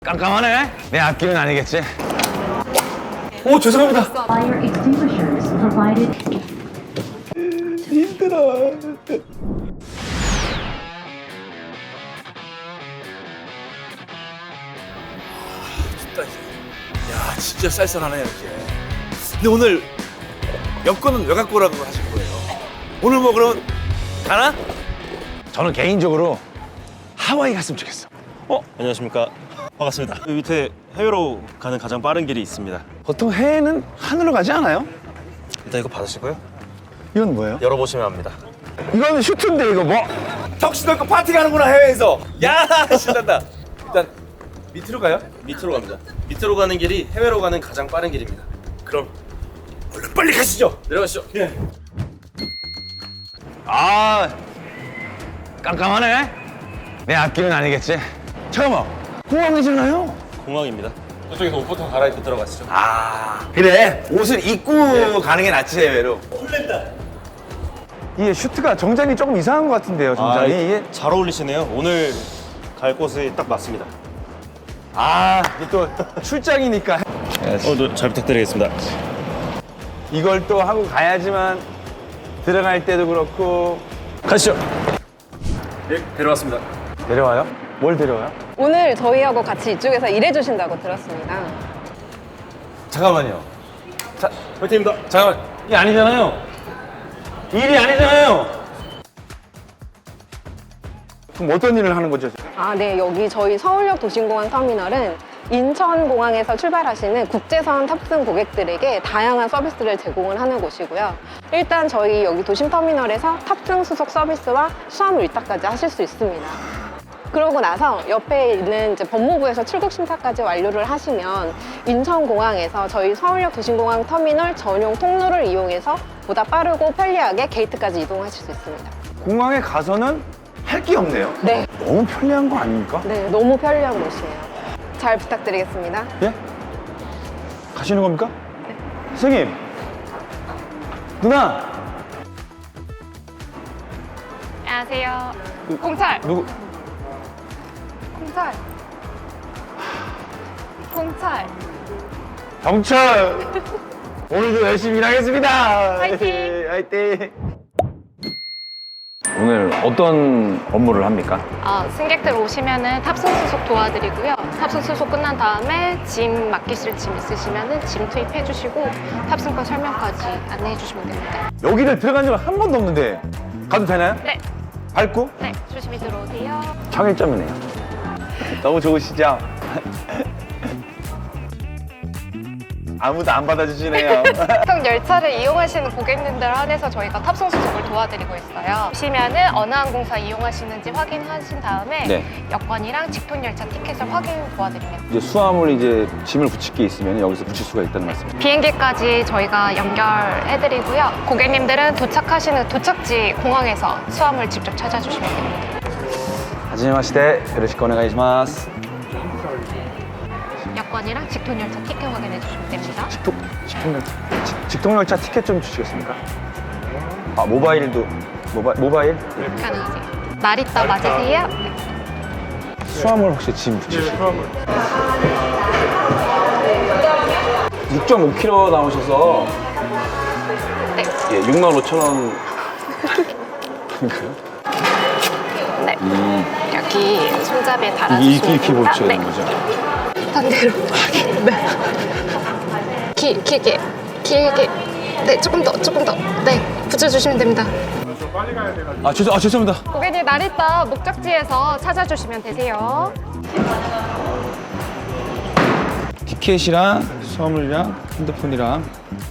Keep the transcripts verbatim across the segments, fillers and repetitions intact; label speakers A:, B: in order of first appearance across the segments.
A: 깜깜하네. 내 앞길은 아니겠지? 오, 죄송합니다.
B: Fire extinguishers provided.
A: 힘들어.
C: 춥다 이제. 야 진짜 쌀쌀하네요 이제. 근데 오늘 여권은 왜 갖고 오라고 하신 거예요? 오늘 뭐 그럼 가나?
A: 저는 개인적으로 하와이 갔으면 좋겠어.
D: 어? 안녕하십니까. 반갑습니다. 여기 밑에 해외로 가는 가장 빠른 길이 있습니다.
A: 보통 해외는 하늘로 가지 않아요?
D: 일단 이거 받으시고요.
A: 이건 뭐예요?
D: 열어보시면 합니다.
A: 이거는 슈트인데 이거 뭐?
C: 턱시도 입고 파티 가는구나 해외에서. 야 신난다. 일단 밑으로 가요?
D: 밑으로 갑니다. 밑으로 가는 길이 해외로 가는 가장 빠른 길입니다.
C: 그럼 얼른 빨리 가시죠.
D: 내려가시죠.
C: 예.
A: 아, 깜깜하네. 내 앞길은 아니겠지? 잠깐만, 공항이잖아요.
D: 공항입니다.
C: 저쪽에서 옷부터 갈아입고 들어가시죠.
A: 아,
C: 그래 옷을 입고 가는 게 낫지 해외로.
A: 이게 슈트가 정장이 조금 이상한 것 같은데요, 정장이.
D: 아,
A: 이게
D: 잘 어울리시네요. 오늘 갈 곳에 딱 맞습니다.
A: 아, 이게 또 출장이니까
D: 오늘 잘 부탁드리겠습니다.
A: 이걸 또 하고 가야지만 들어갈 때도 그렇고.
D: 가시죠. 네, 데려왔습니다.
A: 데려와요? 뭘 데려와요?
E: 오늘 저희하고 같이 이쪽에서 일해주신다고 들었습니다.
A: 잠깐만요. 자,
D: 화이팅입니다.
A: 잠깐만. 이게 아니잖아요. 일이 아니잖아요. 그럼 어떤 일을 하는 거죠?
E: 아, 네. 여기 저희 서울역 도심공항 터미널은 인천공항에서 출발하시는 국제선 탑승 고객들에게 다양한 서비스를 제공을 하는 곳이고요. 일단 저희 여기 도심터미널에서 탑승 수속 서비스와 수화물 일타까지 하실 수 있습니다. 그러고 나서 옆에 있는 이제 법무부에서 출국 심사까지 완료를 하시면 인천공항에서 저희 서울역 도심공항 터미널 전용 통로를 이용해서 보다 빠르고 편리하게 게이트까지 이동하실 수 있습니다.
A: 공항에 가서는 할 게 없네요.
E: 네,
A: 너무 편리한 거 아닙니까?
E: 네, 너무 편리한 곳이에요. 잘 부탁드리겠습니다.
A: 예? 가시는 겁니까? 네. 선생님! 누나!
F: 안녕하세요. 공찰!
A: 누구?
F: 공찰! 공찰!
A: 경찰! 오늘도 열심히 일하겠습니다!
F: 화이팅!
A: 화이팅! 오늘 어떤 업무를 합니까?
F: 어, 승객들 오시면은 탑승 수속 도와드리고요. 탑승 수속 끝난 다음에 짐 맡기실 짐 있으시면은 짐 투입해 주시고 탑승권 설명까지 안내해 주시면 됩니다.
A: 여기를 들어간 적은 한 번도 없는데 가도 되나요?
F: 네,
A: 밟고?
F: 네, 조심히 들어오세요.
A: 청일점이네요. 너무 좋으시죠? 아무도 안 받아주시네요.
F: 보통 열차를 이용하시는 고객님들 한해서 저희가 탑승 수속을 도와드리고 있어요. 보시면은 어느 항공사 이용하시는지 확인하신 다음에
A: 네.
F: 여권이랑 직통 열차 티켓을 확인 도와드립니다.
A: 이제 수화물 이제 짐을 붙일 게 있으면 여기서 붙일 수가 있다는 말씀이죠.
F: 비행기까지 저희가 연결해드리고요. 고객님들은 도착하시는 도착지 공항에서 수화물 직접 찾아주시면 됩니다.
A: 하지마시대 요로시쿠 오네가이시마스.
F: 여권이랑 직통 열차 티켓 확인해 주시면 됩니다.
A: 직통, 직통열차, 직- 직통열차 티켓 좀 주시겠습니까? 아, 모바일도, 모바, 모바일? 예.
F: 가능하세요. 나리타 맞으세요? 네.
A: 수화물 혹시 짐 붙이시고? 육 점 오 킬로그램 나오셔서
F: 네.
A: 예, 육만 오천 원.
F: 네. 여기 손잡이에
A: 이게
F: 달아주시면
A: 이렇게, 이렇게
F: 됩니다.
A: 붙여야
F: 네.
A: 되는 거죠?
F: 반대로. 네. 길, 길게, 길게. 네, 조금 더, 조금 더. 네, 붙여주시면 됩니다.
A: 아, 죄송, 아, 죄송합니다.
F: 고객님, 나리타 목적지에서 찾아주시면 되세요.
A: 티켓이랑 수화물이랑 핸드폰이랑.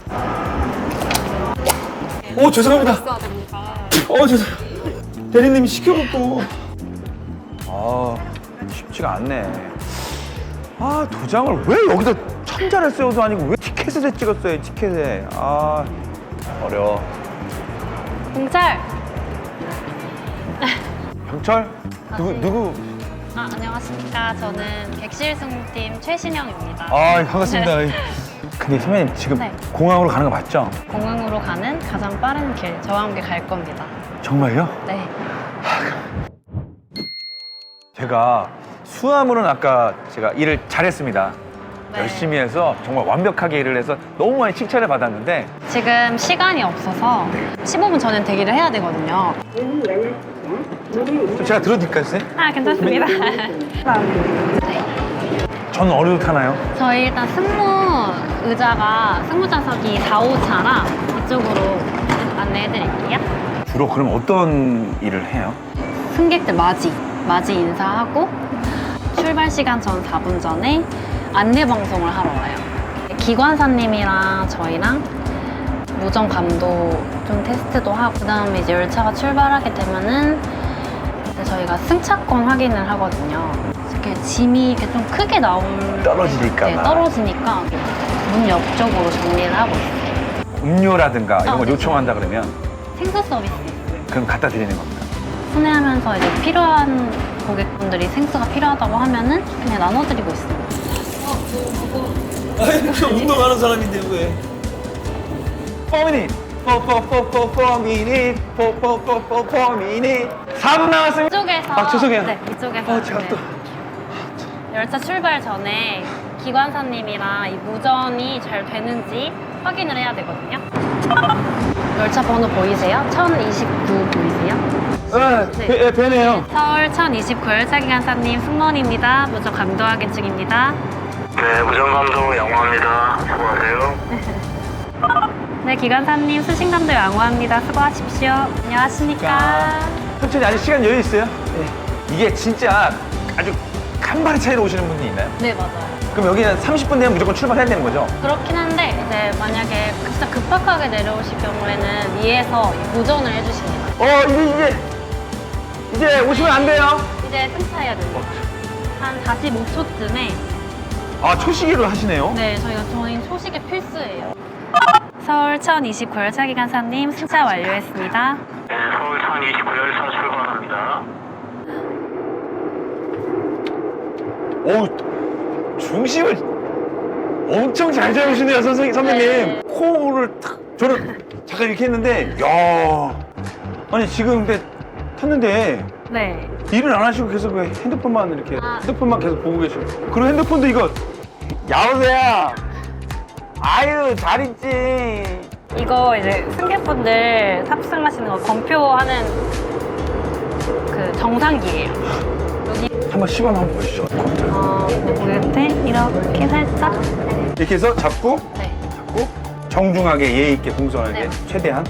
C: 오 죄송합니다.
F: 있어야 됩니다.
C: 어 죄송. 대리님이 시켜갖고.
A: 아, 쉽지가 않네. 아, 도장을 왜 여기다 천자를 세워도 아니고 왜 티켓에 찍었어요, 티켓에. 아, 어려워.
F: 공찰!
A: 경찰? 누구, 누구?
G: 아, 안녕하십니까. 저는 객실승팀 최신영입니다.
A: 아, 반갑습니다. 근데 선배님 지금
G: 네.
A: 공항으로 가는 거 맞죠?
G: 공항으로 가는 가장 빠른 길, 저와 함께 갈 겁니다.
A: 정말요?
G: 네.
A: 제가 수화물은 아까 제가 일을 잘했습니다.
G: 네.
A: 열심히 해서 정말 완벽하게 일을 해서 너무 많이 칭찬을 받았는데
G: 지금 시간이 없어서 십오 분 전엔 대기를 해야 되거든요.
A: 좀 제가 들어드릴까요, 선생님?
G: 아, 괜찮습니다.
A: 전 어디로 타나요?
G: 저희 일단 승무 의자가 승무 좌석이 사, 오 차라 이쪽으로 안내해 드릴게요.
A: 주로 그럼 어떤 일을 해요?
G: 승객들 맞이, 맞이 인사하고 출발 시간 전 사 분 전에 안내 방송을 하러 와요. 기관사님이랑 저희랑 무전 감도 좀 테스트도 하고 그다음에 이제 열차가 출발하게 되면은 이제 저희가 승차권 확인을 하거든요. 이렇게 짐이 이렇게 좀 크게 나올
A: 떨어지니까
G: 네,
A: 봐.
G: 떨어지니까 문 옆쪽으로 정리를 하고 있어요.
A: 음료라든가 이런
G: 아,
A: 걸
G: 네.
A: 요청한다 그러면
G: 생수 서비스 있어요.
A: 그럼 갖다 드리는 겁니다.
G: 순회하면서 이제 필요한 고객분들이 생수가 필요하다고 하면은 그냥 나눠드리고 있습니다.
C: 아니, 저 운동하는 사람인데 왜?
A: 포 미닛! 포포포포포 미닛! 포포포포포 미닛! 사 분 남았습니다!
G: 이쪽에서
A: 아, 죄송해요.
G: 네, 이쪽에서
A: 어, 제가
G: 네.
A: 또
G: 열차 출발 전에 기관사님이랑 이 무전이 잘 되는지 확인을 해야 되거든요. 열차 번호 보이세요? 천이십구 보이세요?
A: 아,
G: 네.
A: 배, 배네요.
G: 서울 천이십구 열차 기관사님 승무원입니다. 무전 감도 확인 중입니다.
H: 네, 무전감도 양호합니다. 수고하세요.
G: 네, 기관사님 수신 감도 양호합니다. 수고하십시오. 안녕하십니까?
A: 천천히 아직 시간 여유 있어요? 네. 이게 진짜 아주 간발의 차이로 오시는 분이 있나요?
G: 네, 맞아요.
A: 그럼 여기는 삼십 분 되면 무조건 출발해야 되는 거죠?
G: 그렇긴 한데 이제 만약에 진짜 급박하게 내려오실 경우에는 위에서 무전을 해주십니다.
A: 어, 이제, 이제, 이제 오시면 안 돼요.
G: 이제 승차해야 됩니다. 한 사십오 초쯤에
A: 아, 초시기로 하시네요?
G: 네, 저희가 저희 초식이 필수예요. 서울 천이십구 열차 기관사님 승차 완료했습니다.
H: 네, 서울 천이십구 열차 출발합니다.
A: 어우, 중심을 엄청 잘 잡으시네요, 선생님, 선배님.
G: 네.
A: 코를 탁, 저는 잠깐 이렇게 했는데, 야 아니, 지금 근데 탔는데,
G: 네.
A: 일을 안 하시고 계속 왜 핸드폰만 이렇게,
G: 아.
A: 핸드폰만 계속 보고 계시고. 그리고 핸드폰도 이거, 여보세요? 아유, 잘 있지.
G: 이거 이제 승객분들 탑승하시는 거 검표하는 그 정상기예요. 여기
A: 한번 시범 한번 보시죠.
G: 어, 밑에 이렇게 살짝
A: 이렇게 해서 잡고,
G: 네.
A: 잡고, 정중하게, 예의 있게, 공손하게,
G: 네.
A: 최대한.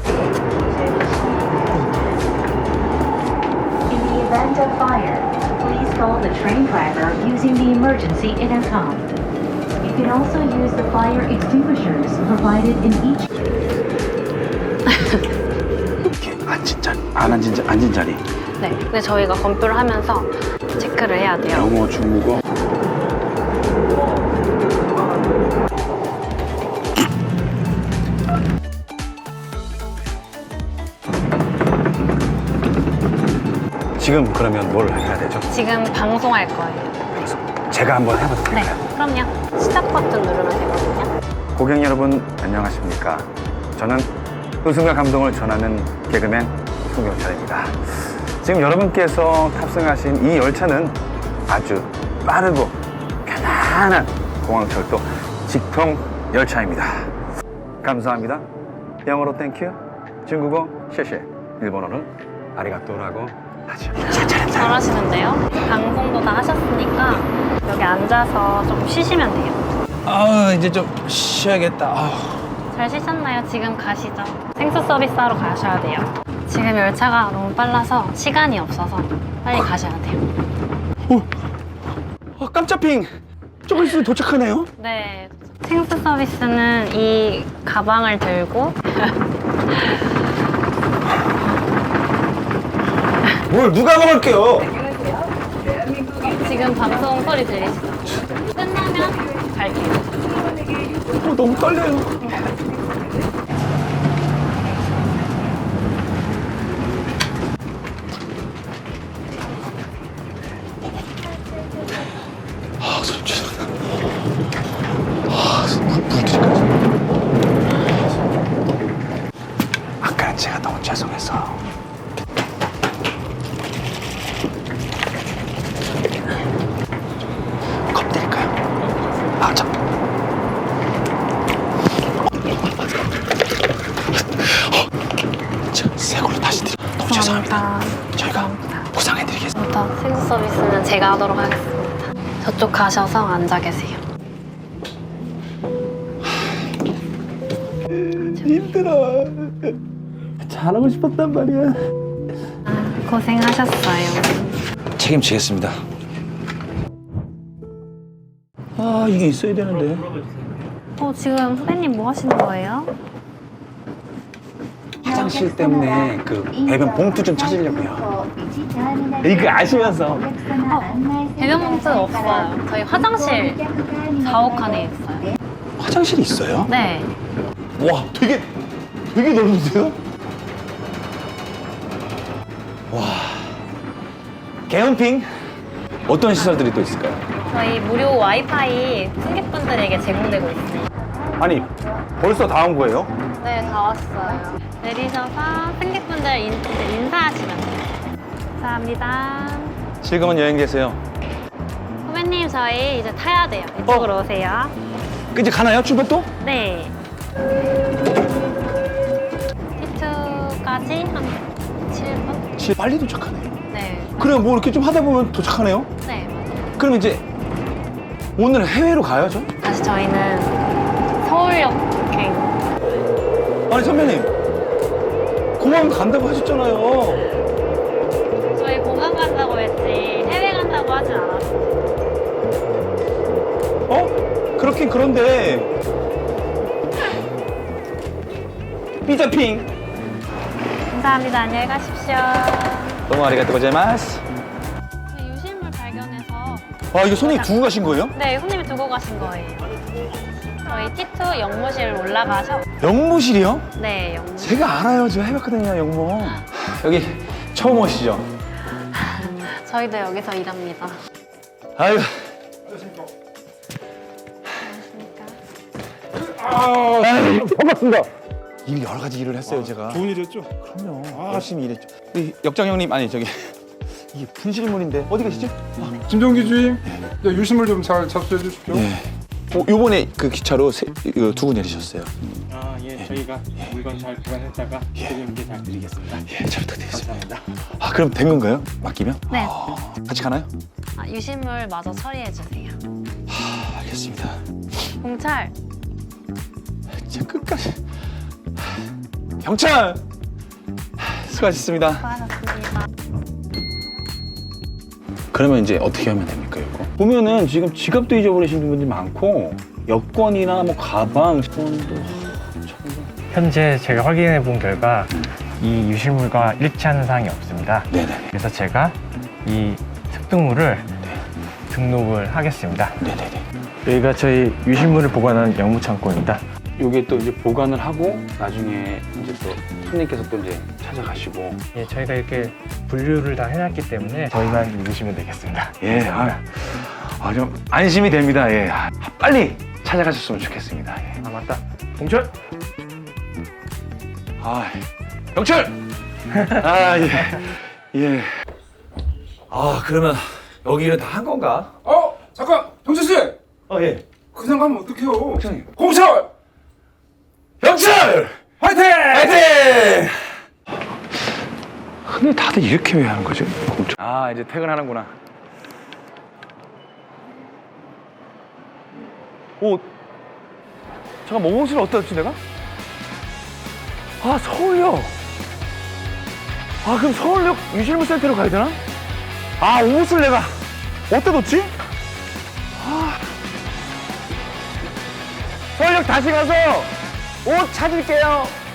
B: In the event of fire, please call the train driver using the emergency intercom. You can also use the fire extinguishers provided in each.
A: 이렇게 앉은 자리, 안 앉은, 자, 앉은 자리.
G: 네. 근데 저희가 검표를 하면서 체크를 해야 돼요.
A: 영어, 중국어. 지금 그러면 뭘 해야 되죠?
G: 지금 방송할 거예요.
A: 그래서 제가 한번 해봐도
G: 네.
A: 될까요?
G: 그럼요. 시작 버튼 누르면 되거든요.
A: 고객 여러분 안녕하십니까? 저는 웃음과 감동을 전하는 개그맨 송경철입니다. 지금 여러분께서 탑승하신 이 열차는 아주 빠르고 편안한 공항철도 직통 열차입니다. 감사합니다. 영어로 땡큐, 중국어 쉐쉐, 일본어는 아리가또라고 하죠.
G: 잘하시는데요? 방송도 다 하셨으니까 여기 앉아서 좀 쉬시면 돼요.
C: 아, 이제 좀 쉬어야겠다. 아.
G: 잘 쉬셨나요? 지금 가시죠. 생수 서비스 하러 가셔야 돼요. 지금 열차가 너무 빨라서 시간이 없어서 빨리 가셔야 돼요.
A: 어, 깜짝핑! 조금 있으면 도착하네요?
G: 네. 생수 서비스는 이 가방을 들고
A: 뭘 누가 먹을게요?
G: 지금 방송 소리 들리시죠? 끝나면 갈게요.
A: 어, 너무 떨려요.
C: 아, 손 죄송합니다. 아, 물, 물기까지.
A: 아까는 제가 너무 죄송해서. 아, 자. 자, 새 걸로 다시 드리. 너무 죄송합니다. 저희가 보상해드리겠습니다.
G: 부터 세수 서비스는 제가 하도록 하겠습니다. 저쪽 가셔서 앉아 계세요.
A: 힘들어. 잘하고 싶었단 말이야.
G: 아, 고생하셨어요.
A: 책임지겠습니다. 아, 이게 있어야 되는데.
G: 어, 지금 후배님 뭐 하시는 거예요?
A: 화장실 때문에 그 배변 봉투 좀 찾으려고요. 이거 아시면서.
G: 어, 배변 봉투 없어요. 저희 화장실 사옥 칸에 있어요.
A: 화장실이 있어요?
G: 네.
A: 와, 되게 되게 넓은데요? 와. 개헌핑 어떤 시설들이 또 있을까요?
G: 저희 무료 와이파이 승객분들에게 제공되고 있어요.
A: 아니, 벌써 다 온 거예요?
G: 네, 다 왔어요. 내리셔서 승객분들 인, 이제 인사하시면 돼요. 감사합니다.
A: 즐거운 여행 되세요.
G: 후배님, 저희 이제 타야 돼요. 이쪽으로 오세요.
A: 이제 가나요? 출발 또?
G: 네. 티투까지 한 칠 분?
A: 지 빨리 도착하네요.
G: 네.
A: 그래, 뭐 이렇게 좀 하다 보면 도착하네요.
G: 네, 맞아요.
A: 그럼 이제 오늘 해외로 가야죠?
G: 다시 저희는 서울역 행.
A: 아니, 선배님. 공항 간다고 하셨잖아요.
G: 저희 공항 간다고 했지 해외 간다고 하진 않았어요.
A: 어? 그렇긴 그런데. 삐자핑.
G: 감사합니다. 안녕히 가십시오.
A: 너무 아리가또 고자이마스.
G: 저희 유실물 발견해서
A: 아, 이거 손님 두고 가신 거예요?
G: 네, 손님이 두고 가신 거예요. 저희 티투 영무실 올라가서
A: 영무실이요?
G: 네, 영무실.
A: 제가 알아요. 저 해봤거든요, 영무. 여기 처음 오시죠?
G: 저희도 여기서 일합니다.
A: 아유. 아유, 반갑습니다. 일 여러 가지 일을 했어요, 제가.
D: 좋은 일이었죠?
A: 그럼요. 열심히 일했죠. 우리 역장 형님, 아니 저기 이게 분실물인데 어디 계시죠?
I: 김종기 주임, 네, 유실물 좀 잘 접수해 주십시오.
A: 예. 어, 요번에 그 기차로 세, 이거 두고 내리셨어요.
J: 아, 예, 저희가 물건 잘 보관했다가 드리는 잘 드리겠습니다.
A: 예, 잘 부탁드리겠습니다. 아, 그럼 된 건가요? 맡기면?
G: 네.
A: 아, 같이 가나요?
G: 아, 유실물 마저 처리해 주세요.
A: 아, 알겠습니다.
G: 공찰.
A: 진짜 끝까지. 경찰! 수고하셨습니다.
G: 수고하셨습니다.
A: 그러면 이제 어떻게 하면 됩니까, 이거? 보면은 지금 지갑도 잊어버리신 분들이 많고 여권이나 뭐 가방, 돈도
J: 현재 제가 확인해 본 결과 이 유실물과 일치하는 사항이 없습니다.
A: 네네.
J: 그래서 제가 이 습득물을 등록을 하겠습니다.
A: 네네네.
J: 여기가 저희 유실물을 보관하는 영무 창고입니다.
A: 요게 또 이제 보관을 하고 나중에 이제 또 손님께서 또 이제 찾아가시고.
J: 예, 저희가 이렇게 분류를 다 해놨기 때문에 저희만 읽으시면 되겠습니다.
A: 예, 아, 아, 좀 안심이 됩니다. 예, 아, 빨리 찾아가셨으면 좋겠습니다. 예.
J: 아, 맞다. 봉철!
A: 아, 영철! 아, 예, 예. 아, 그러면 여기는 다 한 건가?
I: 어, 잠깐, 병철 씨,
A: 어, 예.
I: 그냥 가면 어떡해요?
A: 형님.
I: 공철,
A: 영철!
I: 화이팅!
A: 화이팅! 근데 다들 이렇게 왜 하는 거죠? 아, 이제 퇴근하는구나. 오, 잠깐, 오옷을 어디다 뒀지, 내가? 아, 서울역. 아, 그럼 서울역 유실물 센터로 가야 되나? 아, 옷을 내가 어디다 뒀지? 아. 서울역 다시 가서 옷 찾을게요.